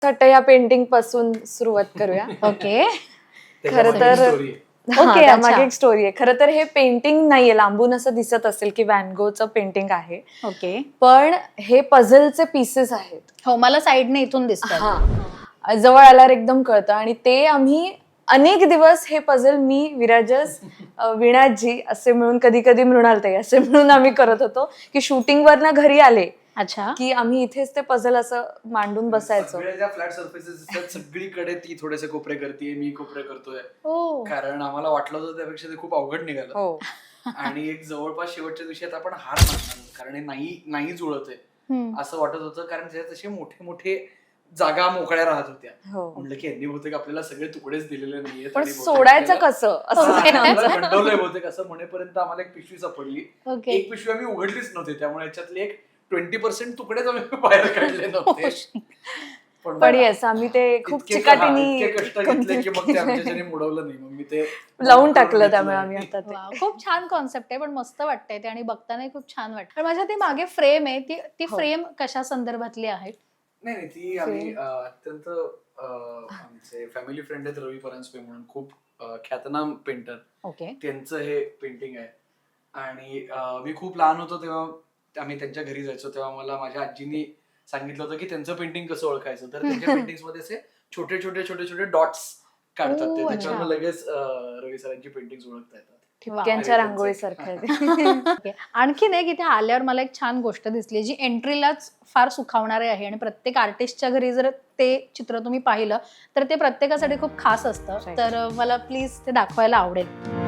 वाटतं या पेंटिंग पासून सुरुवात करूया. ओके. खरं तर ओके, मागे एक स्टोरी आहे. खरं तर हे पेंटिंग नाहीये, लांबून असं दिसत असेल की व्हॅन गोचं पेंटिंग आहे, ओके. पण हे पझलचे पीसेस आहेत. हो, मला साईडने इथून दिसतात. हा, जवळ आल्यावर एकदम कळतं. आणि ते आम्ही अनेक दिवस हे पझल मी, विराजस, विणाजी असे मिळून, कधी कधी मृणालताई असे मिळून आम्ही करत होतो की शूटिंगवर ना घरी आले अच्छा. की आम्ही इथेच ते पझल असं मांडून बसायचो. सगळ्या फ्लॅट सर्फेसेस असतात सगळीकडे ती थोडेसे कोपरे करते, मी कोपरे करतोय. हो. कारण आम्हाला वाटलं होतं त्यापेक्षा ते खूप अवघड निघालं. हो. आणि एक जवळपास शेवटच्या दिवशी आता आपण हार मानणार, कारण हे नाही जुळत आहे असं वाटत होतं. कारण त्याच्यात असे मोठे मोठे जागा मोकळ्या राहत होत्या. म्हणलं की यांनी बहुतेक आपल्याला सगळे तुकडेच दिलेले नाहीये, पण सोडायचं कसं असं गंडवलंय बहुतेक असं म्हणेपर्यंत आम्हाला एक पिशवी सापडली. ओके. एक पिशवी आम्ही उघडलीच नव्हती, त्यामुळे याच्यातले एक 20% तुकडेच आम्ही बाहेर काढले नव्हते. पण येस, आम्ही ते खूप चिकाटीने कष्ट घेतले की मग ते आमच्याच्याने मुडवलं नाही, मग मी ते लावून टाकलं. त्यामुळे आम्ही आता ते वा, खूप छान कॉन्सेप्ट आहे, पण मस्त वाटतंय ते आणि बघताना खूप छान वाटतं. पण माझ्या ती मागे फ्रेम आहे, ती फ्रेम कशा संदर्भातली आहे? नाही, ती आम्ही अत्यंत आमचे फॅमिली फ्रेंड आहेत रवी परांजपे म्हणून, खूप ख्यातनाम पेंटर. ओके. त्यांचं हे पेंटिंग आहे. आणि मी खूप लहान होतो तेव्हा आम्ही त्यांच्या घरी जायचो, तेव्हा मला माझ्या आजीनी सांगितलं होतं की त्यांचं पेंटिंग कसं ओळखायचं. तर त्यांच्या पेंटिंग्स मध्ये असे छोटे छोटे छोटे छोटे डॉट्स काढतात ते, त्याच्यावर लगेच रवी सरांची पेंटिंग ओळखता येतात. ठिपक्यांच्या रांगोळी सारखं. आणखीन एक इथे आल्यावर मला एक छान गोष्ट दिसली जी एंट्रीलाच फार सुखावणारी आहे. आणि प्रत्येक आर्टिस्टच्या घरी जर ते चित्र तुम्ही पाहिलं तर ते प्रत्येकासाठी खूप खास असतं. तर मला प्लीज ते दाखवायला आवडेल.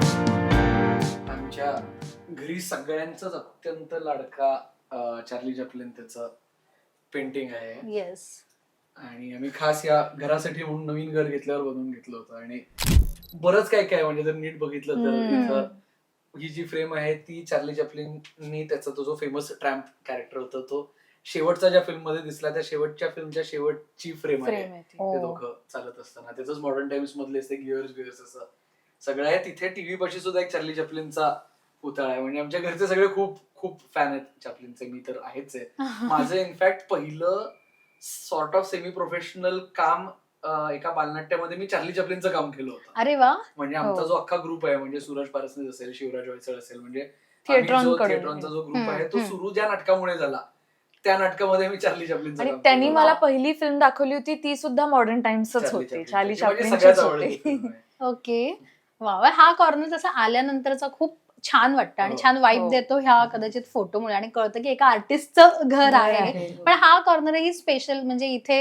आमच्या घरी सगळ्यांचाच अत्यंत लाडका चार्ली चॅप्लिन त्याचं पेंटिंग आहे. येस. आणि आम्ही खास या घरासाठी म्हणून नवीन घर घेतल्यावर बनवून घेतलं होतं. आणि बरंच काय काय म्हणजे जर नीट बघितलं तर इथं ही जी फ्रेम आहे ती चार्ली चॅप्लिननी त्याचा तो जो फेमस ट्रॅम्प कॅरेक्टर होता तो शेवटचा ज्या फिल्म मध्ये दिसला त्या शेवटच्या फिल्मच्या शेवटची फ्रेम आहे. ते दोघं चालत असताना त्याच मॉडर्न टाइम्स मधले गिअर्स असं सगळं आहे. तिथे टीव्ही पाशी सुद्धा एक चार्ली चॅप्लिनचा पुतळा आहे. म्हणजे आमच्या घरचे सगळे खूप खूप फॅन आहेत चॅप्लिनचे. मी तर आहेच आहे. माझं इनफॅक्ट पहिलं सॉर्ट ऑफ सेमी प्रोफेशनल काम एका बालनाट्यामध्ये मी चार्ली चॅप्लिनचं काम केलं होतं. अरे वा. म्हणजे आमचा जो अख्खा ग्रुप आहे, म्हणजे सूरज पारसनीस असेल, शिवराज वैसळ असेल, म्हणजे थिएट्रॉनचा जो ग्रुप आहे तो सुरू ज्या नाटकामुळे झाला त्या नाटकामध्ये मी चार्ली चॅप्लिनचं आणि काम त्यांनी केलं. मला पहिली फिल्म दाखवली होती ती सुद्धा मॉडर्न टाइम्सच होती. चार्ली चॅप्लिनचीच सगळ्यात होती. आवडते. ओके. वा, हा कॉर्नर तसा आल्यानंतरचा खूप छान वाटतं आणि छान वाईब देतो ह्या कदाचित फोटोमुळे. आणि कळतं की एका आर्टिस्टचं घर आहे. पण हा कॉर्नरही स्पेशल, म्हणजे इथे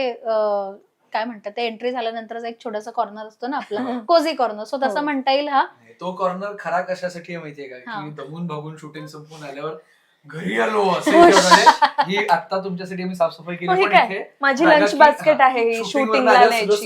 काय म्हणतात ते एंट्री झाल्यानंतरचा एक छोटासा कॉर्नर असतो ना आपला, कोझी कॉर्नर, सो तसं म्हणता येईल हा. तो कॉर्नर खरा कशासाठी आहे माहितीये का, की दमून भागून शूटिंग संपून आल्यावर घरी आलो असं ही आता तुमच्यासाठी मी साफसफाई केली. पण इथे माझी लंच बास्केट आहे, शूटिंगला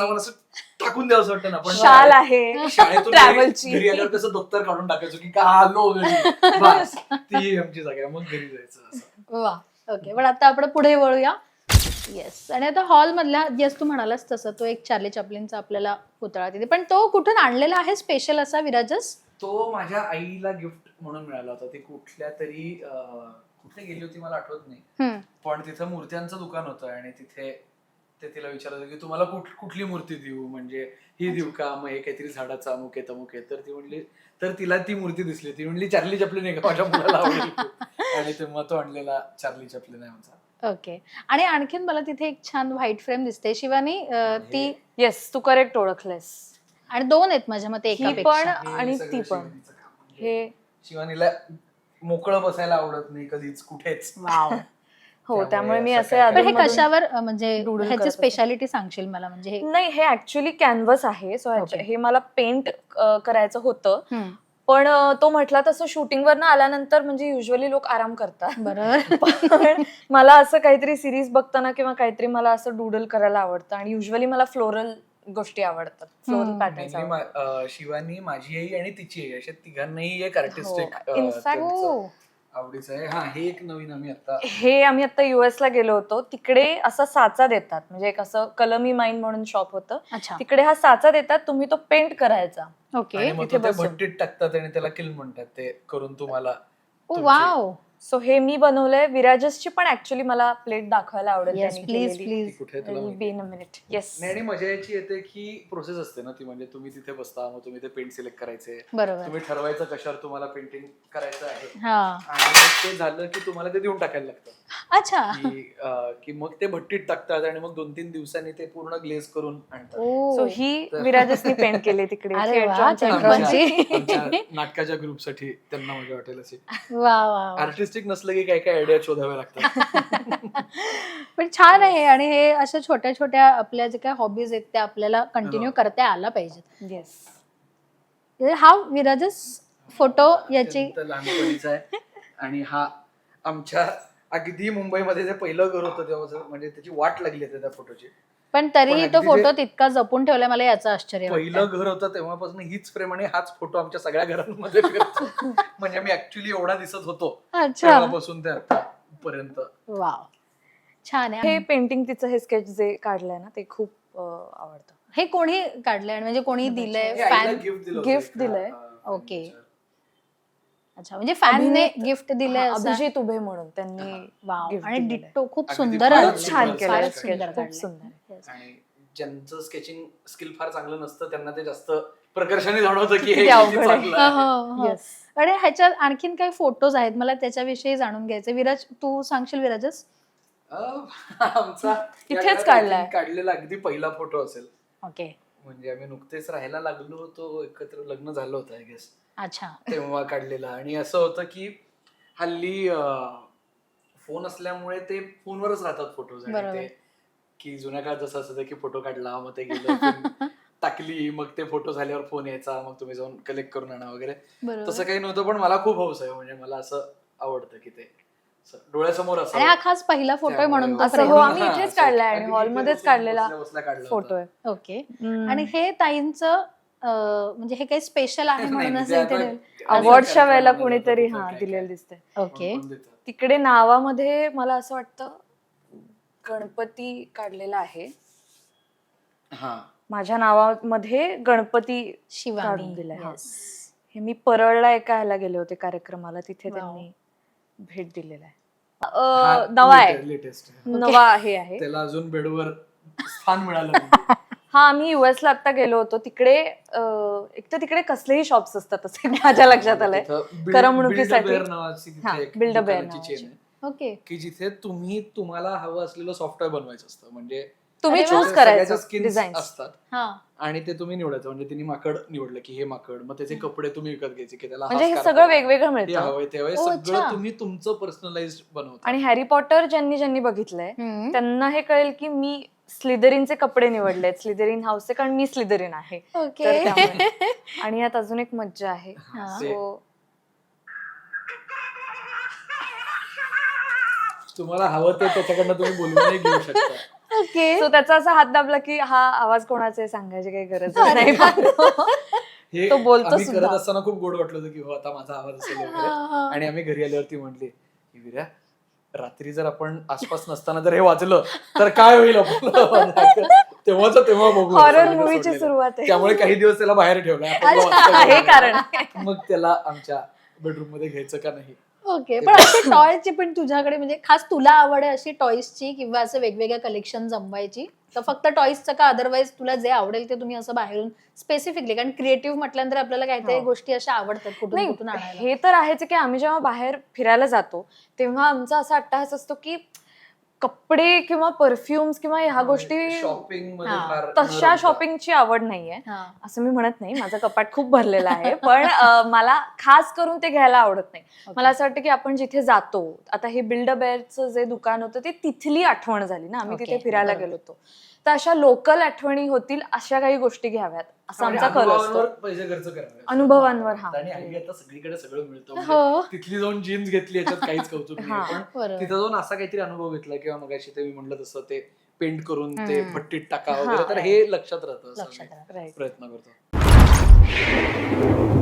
टाकून द्यावं वाटतं ना. पण शाल आहे शाळेतून ट्रॅव्हलची. घरी आल्यावर कसं दप्तर काढून टाकायचो की का आलो घरी, बस ती आमची जागा आहे, मग घरी जायचं असं. वा. ओके. पण आता आपण पुढे वळूया. येस. आणि आता हॉल मधल्या, येस तू म्हणालास तसं, तो एक चार्ली चॅप्लिनचा आपल्याला पुतळा तिथे, पण तो कुठून आणलेला आहे स्पेशल असा विराजस? तो माझ्या आईला गिफ्ट म्हणून मिळाला होता. ती कुठल्या तरी कुठे गेली होती मला आठवत नाही, पण तिथं मूर्त्यांचं दुकान होतं आणि तिथे ते तिला विचारत होते की तुम्हाला कुठली मूर्ती देऊ, म्हणजे ही देऊ का, मग हे काहीतरी झाडाचा अमुक आहे तमुक आहे. तर ती म्हणली, तर तिला ती मूर्ती दिसली, ती म्हणली चार्ली चॅप्लिन आहे का, माझ्या मुलाला आवडेल. आणि तेव्हा तो आणलेला चार्ली चॅप्लिन आहे आमचा. ओके. आणि आणखीन मला तिथे एक छान व्हाईट फ्रेम दिसते शिवानी, ती. येस, तू करेक्ट ओळखलेस. आणि दोन आहेत माझ्या मते एकापेक्षा. पण आणि ती पण. हे शिवानीला मोकळं बसायला आवडत नाही कधीच कुठेच. हो, त्यामुळे मी असे हे कशावर, म्हणजे ह्याची स्पेशालिटी सांगशील मला? म्हणजे नाही, हे ऍक्च्युअली कॅनव्हस आहे. सो हे मला पेंट करायचं होतं, पण तो म्हटला तसं शूटिंगवर ना आल्यानंतर म्हणजे युजली लोक आराम करतात. बरोबर. मला असं काहीतरी सिरीज बघताना किंवा काहीतरी मला असं डुडल करायला आवडतं. आणि युजली मला फ्लोरल गोष्टी आवडतात, फ्लोरल पॅटर्न्स. शिवानी, माझी आई आणि तिची आई अशा तिघांनाही एक आर्टिस्टिक इनफॅक्ट आवडीचं आहे. हा, हे एक नवीन आम्ही आता US ला गेलो होतो. तिकडे असा साचा देतात, म्हणजे एक असं कलमी माइन म्हणून शॉप होतं. तिकडे हा साचा देतात, तुम्ही तो पेंट करायचा. ओके. भट्टीत टाकतात आणि त्याला किल म्हणतात ते करून तुम्हाला. वाव. सो हे मी बनवलंय. विराजसची पण ऍक्च्युली मला प्लेट दाखवायला आवडेल. येस त्यांनी प्लीज केलेली. प्लीज. ती कुठे तुला I'll माहिती? be in a minute. Yes. नाही, आणि मजा याची येते की प्रोसेस असते ना ती, म्हणजे तुम्ही तिथे बसता, मग तुम्ही ते पेंट सिलेक्ट करायचे, बरोबर. तुम्ही ठरवायचं कशावर तुम्हाला पेंटिंग करायचं आहे, हा. आणि मग ते झालं की तुम्हाला ते देऊन टाकायला लागतं. अच्छा. की मग ते भट्टीत टाकतात आणि मग 2-3 दिवसांनी ते पूर्ण ग्लेज करून आणतात. ओ. सो ही विराजसनी पेंट केली तिकडे. अरे वा, थिएटरच्या थिएटरची. आमच्या नाटकाच्या ग्रुपसाठी त्यांना मजा वाटेल अशी. वा वा वा. आर्टिस्टिक नसलं की काय काय आयडिया शोधाव्या लागतात. पण छान आहे, आणि हे अशा छोट्या छोट्या आपल्या जे काय हॉबीज आहेत त्या आपल्याला कंटिन्यू करता आला पाहिजेत. येस. हा विराजस फोटो याची अत्यंत लहानपणीचा आहे, आणि हा आमच्या अगदी मुंबईमध्ये जे पहिलं घर होतं तेव्हा, म्हणजे त्याची वाट लागली आहे त्या फोटोची. पण तरीही पण तो अगदी फोटो जे तितका जपून ठेवलाय, मला याचं आश्चर्य पहिलं वाटतं. घर होतं तेव्हापासून हीच फ्रेम आणि हाच फोटो आमच्या सगळ्या घरांमध्ये फिरतो. म्हणजे मी ऍक्च्युली एवढा दिसत होतो अच्छा. तेव्हापासून ते आतापर्यंत. वाव, छान आहे. हे पेंटिंग तिचं हे स्केच जे काढलंय ना ते खूप आवडतं. हे कोणी काढलंय आणि म्हणजे कोणी दिलंय? हे आईला फॅन? गिफ्ट दिलं होतं Gift एका, दिलंय. ओके. अच्छा, म्हणजे फॅनने गिफ्ट दिलंय हा, असं? अभिजित उभे म्हणून त्यांनी वाव, gift आणि दिलेलं आहे. डिट्टो खूप अगदी सुंदर फारच आलंय. छान सुंदर केलंय फारच sketch सुंदर खूप काढलंय. सुंदर. Yes. आणि ज्यांचं स्केचिंग स्किल फार चांगलं नसतं त्यांना ते जास्त प्रकर्षाने जाणवतं की हे किती किती अवघड आहे. चांगलं आहे. हो, हो. येस. आणि ह्याच्यात आणखीन काही फोटोज आहेत, मला त्याच्याविषयी जाणून घ्यायचे. विराज, तू सांगशील विराजस? आमचा या इथेच घरात काढलाय. I think काढलेला अगदी पहिला फोटो असेल. ओके. म्हणजे आम्ही नुकतेच राहायला लागलो होतो, एकत्र लग्न झालं होतं आय गेस, अच्छा. तेव्हा काढलेला. आणि असं होतं की हल्ली फोन असल्यामुळे ते फोनवरच राहतात फोटोज, आणि बरोबर. ते की जुन्या काळात जसं असतं की फोटो काढला, मग ते गेलं film टाकली, मग ते फोटो झाल्यावर फोन यायचा, मग तुम्ही जाऊन कलेक्ट करून आणा वगैरे. बरोबर. तसं काही नव्हतं, पण मला खूप हौस आहे. म्हणजे मला असं आवडतं की ते असं डोळ्यासमोर असं. आणि हा खास पहिला फोटो आहे म्हणून तो असं frame हो, आहे. आम्ही इथेच काढलाय आणि हॉलमध्येच काढलेला फोटो आहे. ओके. आणि हे ताईंचं म्हणजे हे काही स्पेशल आहे म्हणूनच इथे ठेवलं? अवॉर्डच्या वेळेला कोणीतरी दिलेलं दिसतंय. ओके. तिकडे नावामध्ये मला असं वाटतं गणपती काढलेला आहे. हा, माझ्या नावामध्ये गणपती शिवानी. काढून दिलाय. हा. Yes. हे मी परळला एका ह्याला गेले होते कार्यक्रमाला, तिथे Wow. त्यांनी भेट दिलेला आहे. हा नवा आहे, लेटेस्ट. नवा हे आहे. त्याला अजून बेडवर स्थान मिळालं नाही. हा, आम्ही US ला आता गेलो होतो. तिकडे एक तर तिकडे कसलेही शॉप्स असतात असं माझ्या लक्षात आलंय. तिथं करमणुकीसाठी. Build a Bear नावाची तिथे हा, एक Build a Bear दुकानाची chain आहे, ओके. की जिथे तुम्हाला हवं असलेलं सॉफ्टवेअर बनवायचं असतं. म्हणजे तुम्ही अरे वा. चूज करायचं स्किन्स डिझाईन. असतात हा. आणि ते तुम्ही निवडायचं. म्हणजे तिने माकड निवडलं की हे माकड, मग त्याचे कपडे तुम्ही विकत घ्यायचे की त्याला म्हणजे हा हे scarf सगळं हवा, वेगवेगळं हे मिळतं. हवंय ते हवंय, ओ, सगळं अच्छा. तुम्ही तुमचं पर्सनलाइज बनवता. आणि हॅरी पॉटर ज्यांनी बघितलंय हम्म. त्यांना हे कळेल की मी स्लिदरीनचे कपडे निवडलेत, स्लिदरीन हाऊसचे, कारण मी स्लिदरीन आहे. ओके. तर त्यामुळे. आणि यात अजून एक मज्जा आहे. हा. ते- So, तुम्हाला हवं ते त्याच्याकडनं तुम्ही बोलवूनही घेऊ शकता. ओके. so त्याचा असा हात दाबला की हा आवाज कोणाचा आहे सांगायची काही गरज नाही. हे तो बोलतो आम्ही सुद्धा. करत असताना खूप गोड वाटलं होतं की हो आता माझा आवाज असेल वगैरे. हा. आणि आम्ही घरी आल्यावरती म्हटली की विर्या, रात्री जर आपण आसपास नसताना जर हे वाजलं तर काय होईल आपलं. तेव्हा बघू. हॉरर असं मूवीची सोडलेलं. सुरुवात आहे. त्यामुळे काही दिवस त्याला बाहेर ठेवलं. हे कारण आहे. मग त्याला आमच्या बेडरूम मध्ये घ्यायचं का नाही. ओके. पण असे टॉयची पण तुझ्याकडे म्हणजे खास तुला आवड आहे अशी टॉईसची किंवा असं वेगवेगळ्या कलेक्शन जमवायची, तर फक्त टॉईसचं का अदरवाईज तुला जे आवडेल ते तुम्ही असं बाहेरून स्पेसिफिकली, कारण क्रिएटिव्ह म्हटल्यानंतर आपल्याला काहीतरी हो. गोष्टी अशा आवडतात कुठून कुठून नाही, आणायला. हे तर आहेच की आम्ही जेव्हा बाहेर फिरायला जातो तेव्हा आमचा असा अट्टाहास असतो की कपडे किंवा परफ्युम्स किंवा ह्या गोष्टी, शॉपिंग मध्ये हा. फार तशा शॉपिंगची आवड नाहीये. हा. असं मी म्हणत नाही, माझं कपाट खूप भरलेलं आहे, पण मला खास करून ते घ्यायला आवडत नाही. मला असं वाटतं की आपण जिथे जातो, आता हे बिल्ड अ बेअरचं जे दुकान होतं ते तिथली आठवण झाली ना, आम्ही Okay, तिथे फिरायला बरोबर. गेलो होतो, तर अशा लोकल आठवणी होतील अशा काही गोष्टी घ्याव्यात असा आमचा कल असतो. अनुभवांवर पैसे खर्च करावे. अनुभवांवर. हा. आणि हल्ली आता सगळीकडे सगळं मिळतं. हो. म्हणजे तिथली जाऊन जीन्स घेतली याच्यात काहीच कौतुक हा. नाही, पण बरोबर. तिथं जाऊन असा काहीतरी अनुभव घेतला किंवा मगाशी ते मी म्हणलं तसं ते पेंट करून ते हम्म. भट्टीत टाका हा, वगैरे, तर right. हे लक्षात राहतं. असं लक्षात मी राहतं. Right. प्रयत्न करतो.